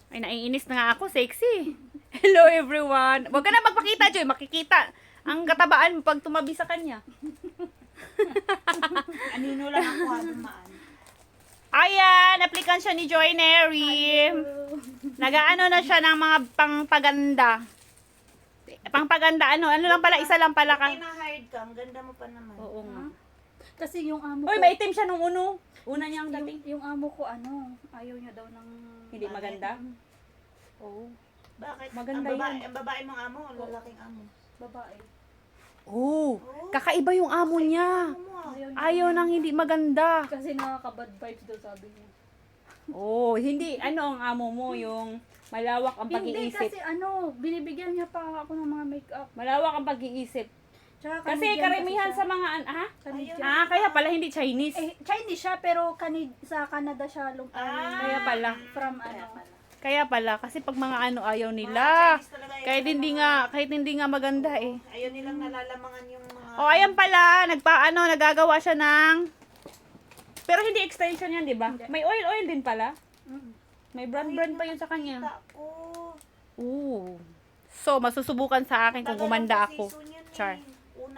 Ay, naiinis na nga ako. Sexy. Hello, everyone. Huwag ka na magpakita, Joy. Makikita ang katabaan mo pag tumabi sa kanya. Anino lang ako dumaan. Ayan, application siya ni Joy Neri. Nagaano na siya ng mga pangpaganda. Pangpaganda, ano lang pala, isa lang pala ka. Kaya na-hired ka, ang ganda mo pa naman. Oo nga. Kasi yung amo Uy, ko, maitim siya nung uno. Una niyang dating. yung amo ko, ayaw niya daw ng... Hindi maganda? Oo. Bakit? Maganda Ang babae mong amo, o lalaking amo? babae. Oh, kakaiba yung amo niya. Ayaw nang hindi maganda. Kasi nakaka-bad vibes daw sabi niya. Oh, hindi. Ano ang amo mo? Yung malawak ang Hindi pag-iisip. kasi binibigyan niya pa ako ng mga makeup. Malawak ang pag-iisip. Tsaka Kasi Canadian karamihan kasi sa mga, Canadian. kaya pala hindi Chinese. Chinese siya pero sa Canada siya Kaya pala. from Kaya pala. Kasi pag mga ayaw nila. Kahit hindi nga maganda eh. Ayaw nilang nalalamangan yung mga... Oh, ayan pala. Nagagawa siya ng... Pero hindi extension yan, di ba? May oil din pala. May brand pa yun sa kanya. Ako. Ooh. So, masusubukan sa akin kung gumanda ako. Char.